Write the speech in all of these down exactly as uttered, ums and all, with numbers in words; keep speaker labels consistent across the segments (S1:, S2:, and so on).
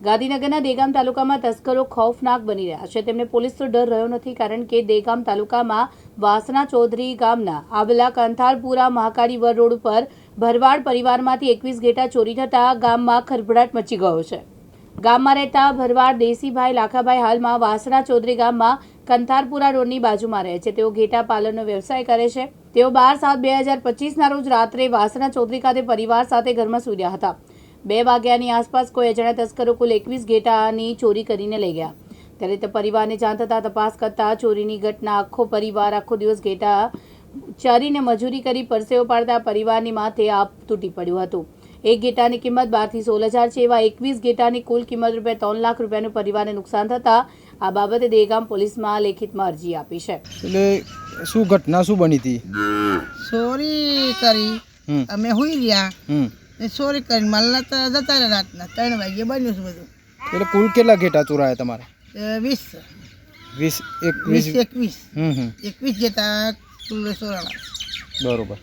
S1: ગાંધીનગરના દેગામ તાલુકામાં તસ્કરો ખૌફનાક બની રહ્યા છે। તેમને પોલીસનો ડર રહ્યો નથી, કારણ કે દેગામ તાલુકામાં વાસણા ચૌધરી ગામના આવેલા કંથારપુરા મહાકાળી વર રોડ ઉપર ભરવાડ પરિવારમાંથી એકવીસ ઘેટા ચોરી થતાં ગામમાં ખળભળાટ મચી ગયો છે। ગામમાં રહેતા ભરવાડ દેસીભાઈ લાખાભાઈ હાલમાં વાસણા ચૌધરી ગામમાં કંથારપુરા રોડની બાજુમાં રહે છે। તેઓ ઘેટા પાલનનો વ્યવસાય કરે છે। તેઓ બાર સાત બે હજાર પચીસના રોજ રાત્રે વાસણા ચૌધરી ખાતે પરિવાર સાથે ઘરમાં સૂઈ રહ્યા હતા। બે વાગ્યાની આસપાસ કોઈ અજાણ્યા તસ્કરો કુલ એકવીસ ઘેટાની ચોરી કરીને લઈ ગયા। ત્યારે તે પરિવારને જાણ થતાં તપાસ કરતા ચોરીની ઘટના આખો પરિવાર આખો દિવસ ઘેટા ચારીને મજૂરી કરી પરસેવો પાડતા પરિવારની માથે આપ તૂટી પડ્યું હતું। એક ઘેટાની કિંમત બારથી સોળ હજાર છે। એવા એકવીસ ઘેટાની કુલ કિંમત રૂપિયા ત્રણ લાખ રૂપિયાનું પરિવારને નુકસાન થતાં આ બાબતે દેગામ પોલીસમાં લેખિતમાં અરજી આપી છે।
S2: એટલે શું ઘટના શું બની હતી?
S3: ચોરી કરી અમે હુઈ રહ્યા, ચોરી કરી માલના તો જતા રહ્યા રાતના ત્રણ વાગે બન્યું છે બધું।
S2: એટલે કુલ કેટલા ઘેટા ચોરાયા તમારે?
S3: વીસ
S2: વીસ
S3: વીસ
S2: એકવીસ
S3: એકવીસ
S2: હમ હમ
S3: એકવીસ જેતા કુલ ચોરાણા।
S2: બરોબર।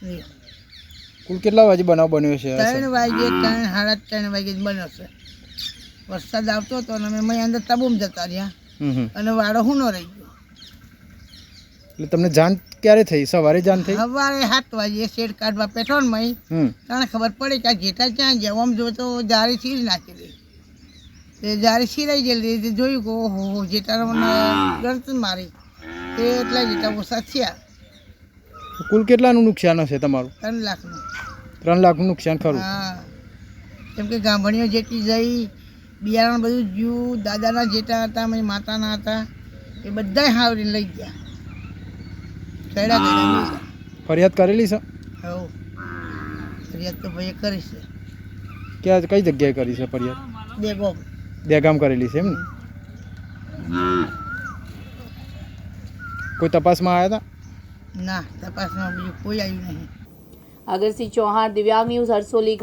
S2: કુલ કેટલા વાગે બનાવ બન્યો છે?
S3: ત્રણ વાગે ત્રણ સાડા ત્રણ વાગે જ બન્યો છે। વરસાદ આવતો હતો અને અમે અંદર તબુમ જતા રહ્યા
S2: હમ હમ
S3: અને વાડો હું ન રહી ગયો।
S2: એટલે તમને જાણ ક્યારે થઈ? સવારે જાણ થઈ?
S3: સવારે સાત વાગે શેડ કાઢવા પેટ્રોલમાં
S2: હમ
S3: તને ખબર પડી કે આ ઘેટા ક્યાં ગયા। આમ જો તો જારી છીરી નાખેલી, તે જારી છીરાઈ ગયેલી, તે જોયું કે ઓહો જેટા મને ગરત મારી, તે એટલા જેટા ઓછા થયા।
S2: કુલ કેટલાનું નુકસાન હશે તમારું?
S3: ત્રણ લાખનું।
S2: ત્રણ લાખનું નુકસાન ખરું?
S3: હા, કેમ કે ગામડીઓ જેટલી જઈ, બિયારણ બધું જ્યું, દાદાના જેટા હતા, મારી માતાના હતા, એ બધાય હાવરી લઈ ગયા। કયડા કયડા
S2: ફરિયાદ કરેલી છે?
S3: હવ ફરિયાદ તો ભાઈએ કરી છે।
S2: ક્યાં કઈ જગ્યાએ કરી છે ફરિયાદ?
S3: દેગોમ
S2: દેગામ કરેલી છે એમ ને? કોઈ તપાસમાં આવ્યા હતા?
S3: ના, તપાસમાં બીજું કોઈ આવ્યું નહીં।
S1: અગરસિંહ ચૌહાણ, દિવ્યાંગ ન્યૂઝ, હરસોલી।